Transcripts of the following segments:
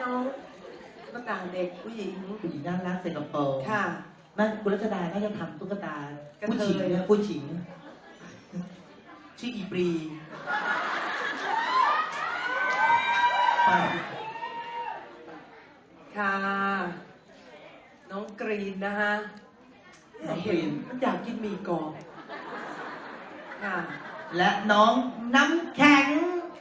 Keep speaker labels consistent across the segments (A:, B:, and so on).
A: น้องตุ๊กตาเด็กผู้หญิง
B: น่ารักใส่กระโปรง
A: ค่ะ
B: น่าคุณรัชดาน่าจะทำตุ๊กตาผู้หญิงนะผู้หญิงชื่ออีปรี
A: ค่ะน้องกรีนนะคะเห็นมันอยากกินหมี่กรอบค่ะ
B: และน้องน้ำแข็ง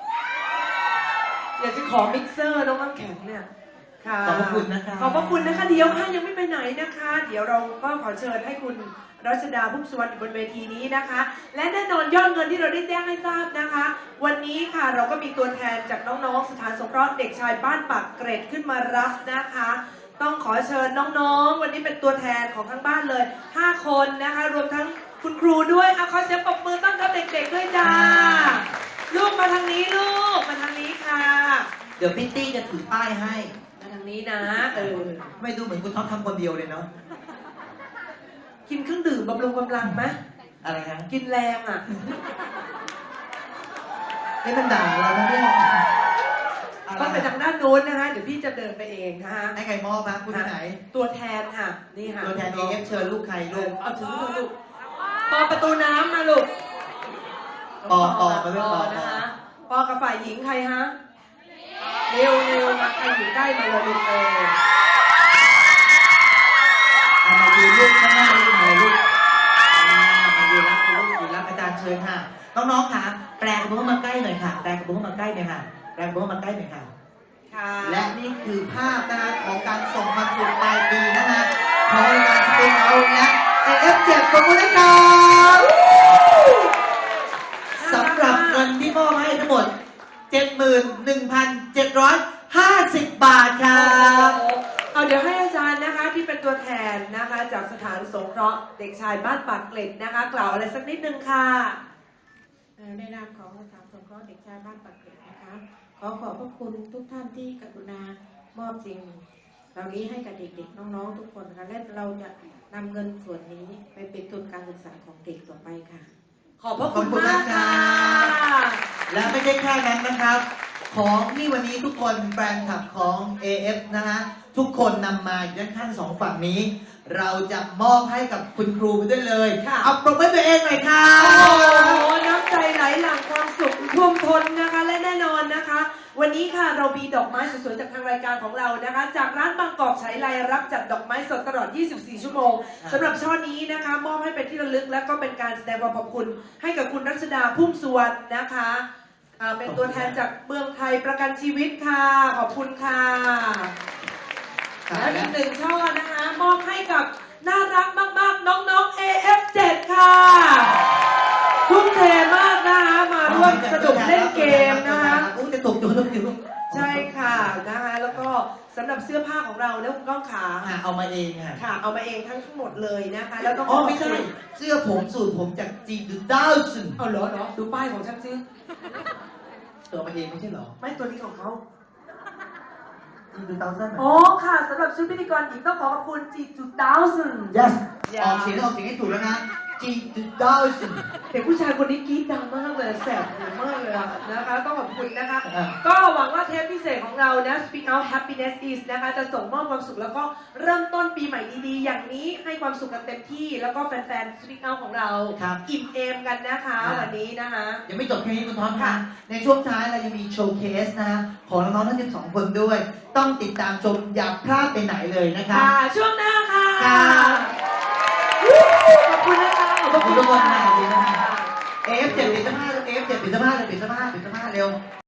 A: อยากจะขอมิกเซอร์น้องน้ำแข็งเนี่ยค่ะ
B: ขอบพระคุณนะคะ
A: ขอบพระคุณนะคะเดี๋ยวค่ะยังไม่ไปไหนนะคะ เดี๋ยวเราก็ขอเชิญให้คุณรัชดาพุ่มสุวรรณอยู่บนเวทีนี้นะคะ และแน่นอนยอดเงินที่เราได้แจ้งให้ทราบนะคะ วันนี้ค่ะเราก็มีตัวแทนจากน้องๆสถานสงเคราะห์เด็กชายบ้านปากเกร็ดขึ้นมารับนะคะ ต้องขอเชิญน้องๆวันนี้เป็นตัวแทนของทั้งบ้านเลย5คนนะคะรวมทั้งคุณครูด้วยขอเสียงปรบมือต้อนรับเด็กๆด้วยจ้าลูกมาทางนี้ลูกมาทางนี้ค่ะ
B: เดี๋ยวพี่ตี้จะถือป้ายให้
A: มาทางนี้นะ
B: ไม่ดูเหมือนคุณท็อปทำคนเดียวเลยเนาะ
A: กินเครื่องดื่มบำรุงกำลังไหม
B: อะไรนะ
A: กินแรงอ่ะ
B: นี่มันด่าเราเนี่ย
A: ต้องไปทางด้านโน้นนะคะเดี๋ยวพี่จะเดินไปเองนะคะ
B: ให้ใครมอบนะคุณที่ไหน
A: ตัวแทนค่ะนี่ค่ะ
B: ตัวแทนเอฟเชิญลูกใครลูก
A: เอาถึงลูกปอประตูน้ำมาลูก
B: ปอมาเรื่องปอ
A: นะคะปอกับฝ่ายหญิงใครฮะเร็วมาใครอยู่ใกล้มาเลยลูก
B: มาดูลูกข้างหน้าลูกมาลูกมาดูรับลูกอยู่รับอาจารย์เชิญค่ะน้องๆค่ะแปลกระบุ้งมาใกล้หน่อยค่ะแปลกระบุ้งมาใกล้หน่อยค่ะแปลกระบุ้งมาใกล้หน่อยค่ะและนี่คือภาพนะคะของการส่งความสุขปลายปีนะคะของรายการสเปนเอาและAF7ขอบคุณนะครับสำหรับเงินที่มอบให้ทั้งหมด 71,750 บาทครับ
A: เอาเดี๋ยวให้อาจารย์นะคะที่เป็นตัวแทนนะคะจากสถานสงเคราะห์เด็กชายบ้านปากเกร็ดนะคะกล่าวอะไรสักนิดนึงค่ะ
C: ในนามของสถานสงเคราะห์เด็กชายบ้านปากเกร็ดนะคะขอขอบพระคุณทุกท่านที่กรุณามอบสิ่งเหล่านี้ให้กับเด็กๆน้องๆทุกคนนะคะและเราจะนำเงินส่วนนี้ไปเป็นทุนการศึกษาของเด็กต่อไปค่ะ
A: ขอบพระคุณมากค่ะ
B: และไม่ใช่แค่นั้นนะครับของที่วันนี้ทุกคนแฟนคลับของ AF นะฮะทุกคนนำมาอยู่ด้านข้างสองฝั่งนี้เราจะมอบให้กับคุณครูไปด้วยเลยเอาปรบมือตัวเองหน่อยค่ะ
A: โอ้น้ำใจไหลหลั่งความสุขท่วมท้นนะคะและแน่นอนนะคะวันนี้ค่ะเรามีดอกไม้สวยๆจากทางรายการของเรานะคะจากร้านบางกอกฉายไลรับจัดดอกไม้สดตลอด 24 ชั่วโมงสำหรับช่อนี้นะคะมอบให้เป็นที่ระลึกและก็เป็นการแสดงความขอบคุณให้กับคุณรัชดาพุ่มสุวรรณนะคะเป็นตัวแทนจากเมืองไทยประกันชีวิตค่ะขอบคุณค่ะและอีกหนึ่งช่อนะคะมอบให้กับน่ารักมากๆน้องๆ AF7 ค่ะทุ่มเทมากนะคะมาร่วมสนุกเล่นเกมนะคะ
B: จะตกอยู่
A: ใช่ค่ะนะคะแล้วก็สำหรับเสื้อผ้าของเราแล้วคุณก้องขา
B: เอามาเอง
A: ค่ะเอามาเองทั้งหมดเลยนะคะแล้วต้อง
B: ไม่ใช่เสื้อผมสูตรผมจากจีนดูดาวซึน
A: เอาเหรอดูป้ายของฉันซิ
B: ตัวมาเองไม่ใช่เหรอ
A: ไม่ตัวนี้ของเขา
B: G2000
A: อ๋อค่ะสำหรับชุดพิธีกรหญิงต้องขอขอบคุณ G2000
B: yes ออกเสียงให้ถูกแล้วนะ G2000
A: เด็กผู้ชายคนนี้กรี๊ดดังมากเลยแสบหูมากเลยนะคะต้องขอบคุณนะคะก็หวังว่าเทปพิเศษของเรานะ Speak Out Happiness Is นะคะจะส่งมอบความสุขแล้วก็เริ่มต้นปีใหม่ดีๆอย่างนี้ให้ความสุขกันเต็มที่แล้วก็แฟนๆ Speak Out ของเราอิ่มเอมกันนะคะวันนี้นะคะ
B: ยังไม่จบแค่นี้คุณท็อปค่ะในช่วงท้ายเรายังมีโชว์เคสนะของน้องๆทั้ง12คนด้วยต้องติดตามชมอย่าพลาดไปไหนเลยนะคะ
A: ช่วงหน้าค่ะขอบคุณนะคะ
B: ขอบคุณทุกคนนะขอบคุณนะคะF7 ปิดเสื้อผ้า F7 ปิดเสื้อผ้าเร็ว